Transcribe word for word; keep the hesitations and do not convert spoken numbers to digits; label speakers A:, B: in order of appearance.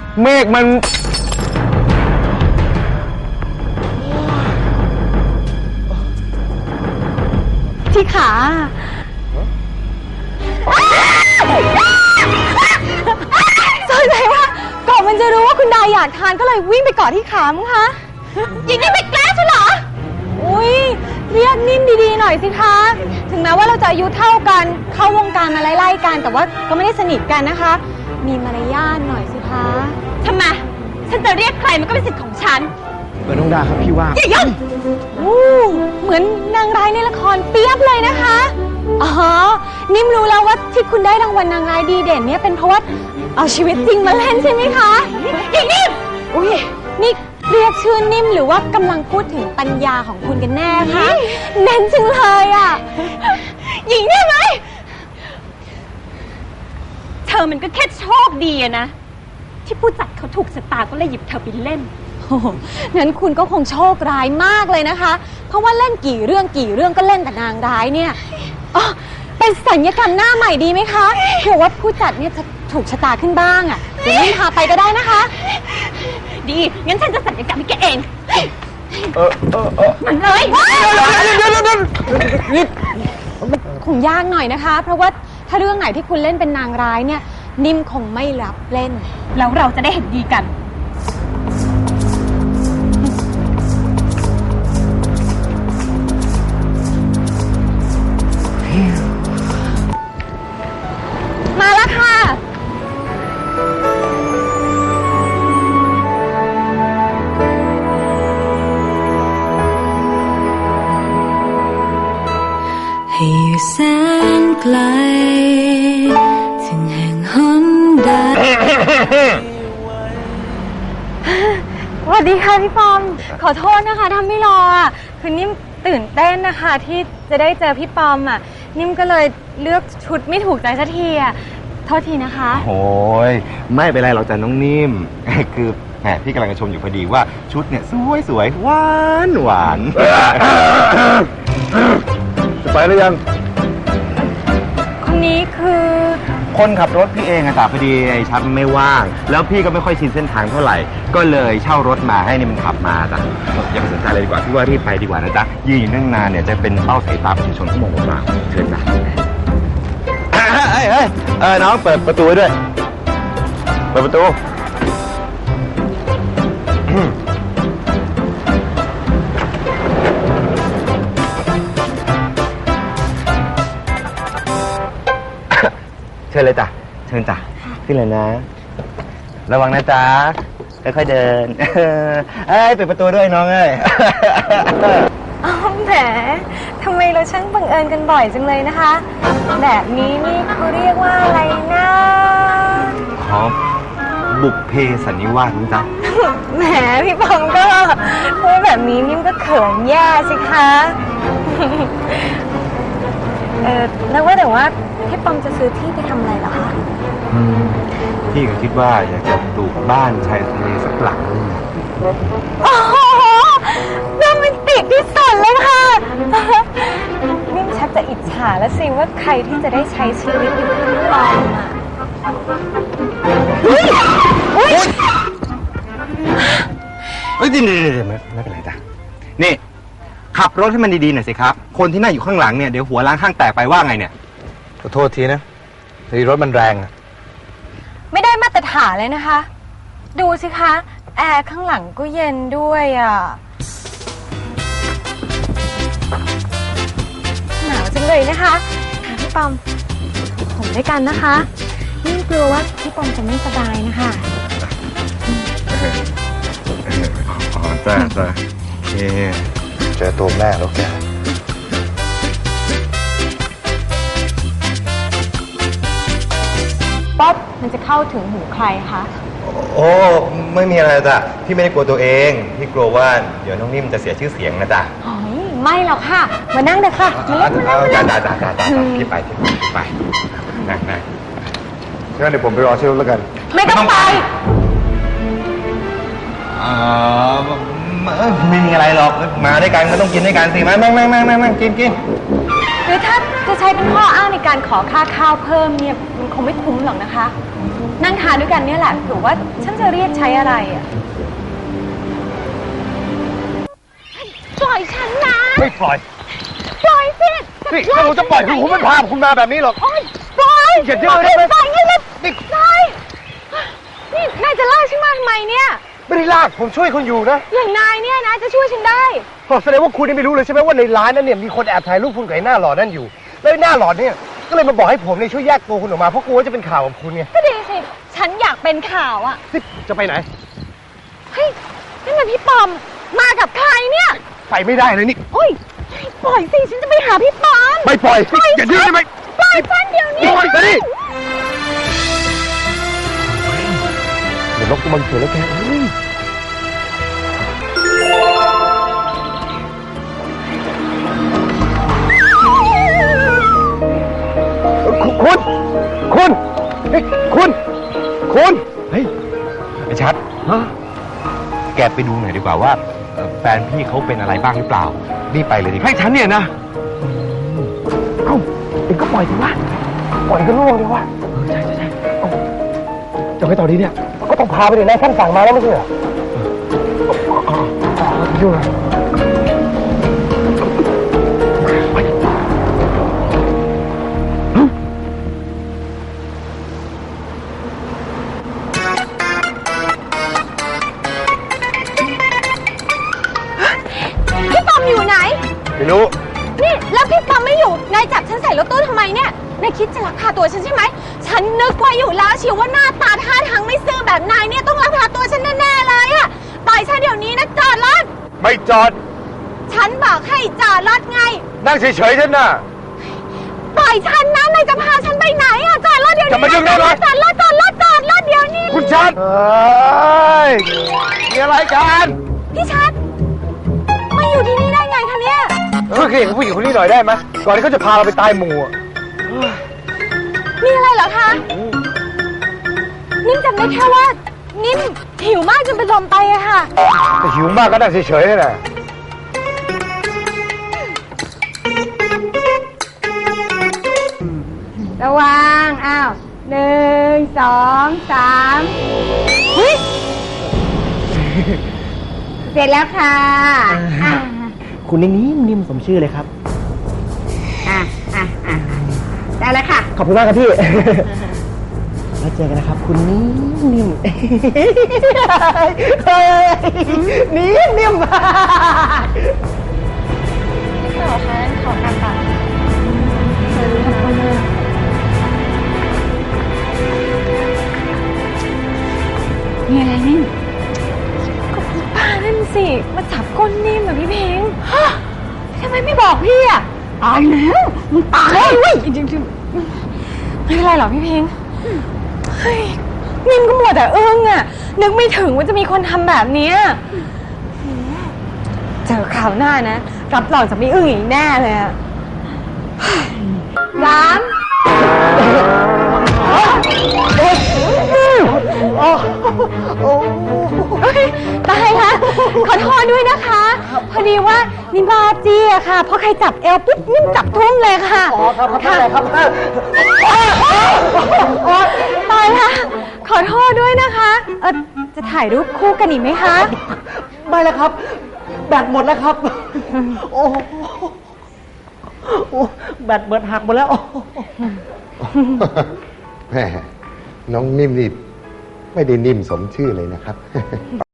A: เมฆมัน
B: ที่ขาสงสัยว่าก่อนมันจะรู้ว่าคุณดาอยากทานก็เลยวิ่งไปเกาะที่ขามั้งคะยิงนี่ไม่แกล้งใช่เหรออุ้ยเรียกนิ่มดีๆหน่อยสิคะถึงแม้ว่าเราจะอายุเท่ากันเข้าวงการมาไล่ๆกันแต่ว่าก็ไม่ได้สนิทกันนะคะมีมารยาทหน่อยสิคะทำไมฉันจะเรียกใครมันก็เป็นสิทธิ์ของฉัน
A: เหมือนน้องดาครับพี่ว่า
B: อย่ายุ่งอู้เหมือนนางร้ายในละครเปียบเลยนะคะอ๋อนิ่มรู้แล้วว่าที่คุณได้รางวัลนางร้ายดีเด่นเนี่ยเป็นเพราะว่าเอาชีวิตจริงมาเล่นใช่ไหมคะหญิงนิ่มอุ้ยนี่เรียกชื่อนิ่มหรือว่ากำลังพูดถึงปัญญาของคุณกันแน่คะเน้นจังเลยอ่ะหญิงนิ่มไหมเธอมันก็แค่โชคดีอะนะที่ผู้จัดเขาถูกชะตาก็เลยหยิบเธอไปเล่นโอ้โหงั้นคุณก็คงโชคร้ายมากเลยนะคะเพราะว่าเล่นกี่เรื่องกี่เรื่องก็เล่นแต่นางร้ายเนี่ยอ๋อเป็นสัญญกรรมหน้าใหม่ดีไหมคะเผื่อว่าผู้จัดเนี่ยจะถูกชะตาขึ้นบ้างอ่ะเดี๋ยวนิ่มพาไปก็ได้นะคะดีงั้นฉันจะสัญญกรรมให้แกเอง
A: เออเออเออ
B: มันเลยนี่คงยากหน่อยนะคะเพราะว่าถ้าเรื่องไหนที่คุณเล่นเป็นนางร้ายเนี่ยนิ่มคงไม่รับเล่นแล้วเราจะได้เห็นดีกันมาแล้วค่ะ
C: ให้อยู่แสนไกลถึงแห่งหนใด
B: สวัสดีค่ะพี่ปอมขอโทษนะคะทำไม่รออ่ะคือนิ่มตื่นเต้นนะคะที่จะได้เจอพี่ปอมอ่ะนิ่มก็เลยเลือกชุดไม่ถูกใจสักทีอ่ะโทษทีนะคะ
A: โอ้ยไม่เป็นไรหรอกจ้ะน้องนิ่มคือแหมพี่กำลังจะชมอยู่พอดีว่าชุดเนี่ยสวยสวยหวานหวานจะไปหรือยัง
B: คนนี้คือ
A: คนขับรถพี่เองอะจ้ะพอดีไอ้ชัดไม่ว่างแล้วพี่ก็ไม่ค่อยชินเส้นทางเท่าไหร่ก็เลยเช่ารถมาให้นี่มันขับมาจ้ะอย่าไปสนใจเลยดีกว่าพี่ว่ารีบไปดีกว่านะจ๊ะยืนอยู่นั่งนานเนี่ยจะเป็นเป้าสายตาประชาชนที่มองผมมาเชิญนะเฮ้ยเฮ้ยเออน้องเปิดประตูด้วยเปิดประตูเชิญเลยจ้ะเชิญจ้ะขึ้นเลยนะระวังนะจ๊ะค่อยๆเดินเอ้ยเปิดประตูด้วยน้องเอ้ย
B: อ๋อแหมทำไมเราช่างบังเอิญกันบ่อยจังเลยนะคะแบบนี้นี่เขาเรียกว่าอะไรนะ
A: อ๋อบุพเพสันนิวาสนะจ๊ะ
B: แหมพี่ปองก็พูดแบบนี้นิ่มก็เขินแย่สิคะเออแล้วว่าแต่ว่าพี่ปอมจะซื้อที่ไปทำอะไรเหรอคะ
A: พี่ก็คิดว่าอยากจะปลูกบ้านชายทะเลสักหลังนึง
B: โอ้โหโรแมนติกที่สุดเลยค่ะนิ่มชักจะอิจฉาแล้วสิว่าใครที่จะได้ใช้ชีวิตอยู่กับพี่ปอมอ่ะอุ้ยอุ้ย
A: เฮ้ยเดี๋ยวไม่ไม่เป็นไรจ้ะนี่ขับรถให้มันดีๆหน่อยสิครับคนที่นั่งอยู่ข้างหลังเนี่ยเดี๋ยวหัวล้างข้างแตกไปว่าไงเนี่ยขอโทษทีนะทีรถมันแรงอะ
B: ไม่ได้มาตรฐานเลยนะคะดูสิคะแอร์ข้างหลังก็เย็นด้วยอ่ะหนาวจังเลยนะคะค่ะพี่ปอมผมด้วยกันนะคะนี่กลัวว่าพี่ปอมจะไม่สบายนะคะ
A: อ๋อจ้าจ้าโอเคเจอตัวแม่แล้วแก
B: ป๊อปมันจะเข้าถึงหูใครคะ
A: โอ้ไม่มีอะไรจ้ะพี่ไม่ได้กลัวตัวเองพี่กลัวว่าเดี๋ยวน้องนิ่มจะเสียชื่อเสียงนะจ๊ะ
B: ไม่หรอกค่ะมานั่งเถอะค่ะมานั่งมา
A: นั่งจ้าจ้าจ้าจ้าพี่ไปไปนั่งนั่งงั้นเดี๋ยวผมไปรอเชลแล้วกัน
B: ไม่ต้องไป
A: อ๋อไม่มีอะไรหรอกมาด้วยกันก็ต้องกินด้วยกันสิมานั่งนั่งนั่งนั่งกินกิน
B: หรือถ้าจะใช้เป็นข้ออ้างในการขอค่าข้าวเพิ่มเนี่ยมันคงไม่คุ้มหรอกนะคะนั่งทานด้วยกันเนี่ยแหละหรือว่าฉันจะเรียกใช้อะไรอ่ะปล่อยฉันนะ
D: ไม่ปล่อย
B: ปล่อยสิ
D: นี่ถ้าผมจะปล่อยคือผมไม่พาคุณมาแบบนี้หรอก
B: โอ๊ยปล่อย
D: อย่าเยอะได้ไหม
B: ปล่อยนี่เลย
D: นี่
B: ปล่อยนี่นายจะลากฉันมาทำไมเนี่ย
D: ไม่ได้ลากผมช่วยคุณอยู่นะ
B: อย่างนายเนี่ยนะจะช่วยฉันได้
D: แสดงว่าคุณนี่ไม่รู้เลยใช่ไหมว่าในร้านนั้นเนี่ยมีคนแอบถ่ายรูปคุณกับไอ้หน้าหลอดนั่นอยู่แล้วไอ้หน้าหลอดเนี่ยก็เลยมาบอกให้ผมเนี่ยช่วยแยกตัวคุณออกมาเพราะกลัวว่าจะเป็นข่าวกับคุณไง
B: ก็ดีสิฉันอยากเป็นข่าวอ่ะ
D: นี่จะไปไหน
B: เฮ้ยนั่นมันพี่ปอมมากับใครเนี่ย
D: ไปไม่ได้เลยนี่
B: โอ้ยปล่อยสิฉันจะไปหาพี่ปอม
D: ไม่ปล่อย
B: ปล่อย
D: อย่าดื้อได้ไหม
B: ปล่อยฉันเดี๋ยวนี้
D: ปล่อยไปดิเดี๋ยวลบกูบังเกิดแล้วแกเฮ้ยคุณ คุณ เฮ้ย คุณ คุณ
A: เฮ้ยไอ้ชัด
D: ฮะ
A: แกไปดูหน่อยดีกว่าว่าเอ่อแฟนพี่เขาเป็นอะไรบ้างหรือเปล่ารีบไปเลยดิให้ฉันเนี่ยนะ
D: เอ้าเอ็งก็ปล่อยสิวะปล่อยก็ร่วงเลยวะ
A: เออใช่ใช่ใช่
D: เอ้าจะไปต่อดีเนี่ย ก็ต้องพาไปเลยนายท่านสั่งมาแล้วไม่ใช่เหรอยุ่งเลย
B: พี่ปอมอยู่ไหน
D: ไม่รู้
B: นี่แล้วพี่ปอมไม่อยู่นายจับฉันใส่รถตู้ทำไมเนี่ยนายคิดจะลักพาตัวฉันใช่ไหมฉันนึกไว้อยู่แล้วเชียวว่าหน้าตาท่าทางไม่ซื่อแบบนายเนี่ยต้องลักพาตัวฉันแน่ๆเลยอะปล่อยฉันเดี๋ยวนี้นะจอดรถ
D: ไม่จอด
B: ฉันบอกให้จอดรถไง
D: นั่งเฉยๆฉันน่ะ
B: ปล่อยฉันนะนายจะพาฉันไปไหนอะจอดรถเดี๋ยวนี้
D: จะมายุ่งได้ไหม
B: จอดรถจอดรถจอดรถเดี๋ยวนี้
D: คุณชัดเฮ้ย มีอะไรกัน
B: พี่ชัดมาอยู่ที่นี่ได้ไงคะเนี่ย
D: ช่วยเคลียร์กับผู้หญิงคนนี้หน่อยได้ไหมก่อนที่เขาจะพาเราไปตายหมู่อะ
B: มีอะไรเหรอคะนิ่มจำได้แค่ว่านิ่มหิวมากจนเป็นลมไปอะค่ะ
D: แต่หิวมากก็นั่งเฉยๆนี่แหละ
E: ระวัง อ้าว หนึ่ง สอง สามเฮ้ย เสร็จแล้วค่ะ อ่ะ
F: คุณนี่นิ่มนิ่มสมชื่อเลยครับ
E: อ่ะ อ่ะ อ่ะ ได้แล้วค่ะ
F: ขอบคุณมากครับพี่ แล้วเจอกันนะครับ คุณนิ่มนิ่มเฮ้ยนิ่มนิ่ม
B: ขอค่ะขอกลับก่อนมีอะไรนิ่มก็ป้านั่นสิมาจับก้นนิ่มแบบพี่เพงฮะทำไมไม่บอกพี่อ่ะตายแล้วมึงตายเว้ยจริงจริงไม่เป็นไรหรอกพี่เพงเฮ้ยนิ่มก็มัวแต่อึ้งอ่ะนึกไม่ถึงว่าจะมีคนทำแบบเนี้ยเจอข่าวหน้านะรับรองจะไม่อึ้งอีกแน่เลยอะร้านตายละขอโทษด้วยนะคะ พอดีว่านิมบาจีอะค่ะพอใครจับเอวปุ๊บนิ่มจับทุ่งเลยค่ะ
D: อ๋อครับครับได้ครับ
B: ตายละขอโทษด้วยนะคะเออจะถ่ายรูปคู่กันอีกไหมคะ
F: ไม่แล้วครับ แบตหมดแล้วครับ โอ้โหโอ้แบตเบิดหักหมดแล้ว
G: แม่น้องนิ่มนี่ไม่ได้นิ่มสมชื่อเลยนะครับ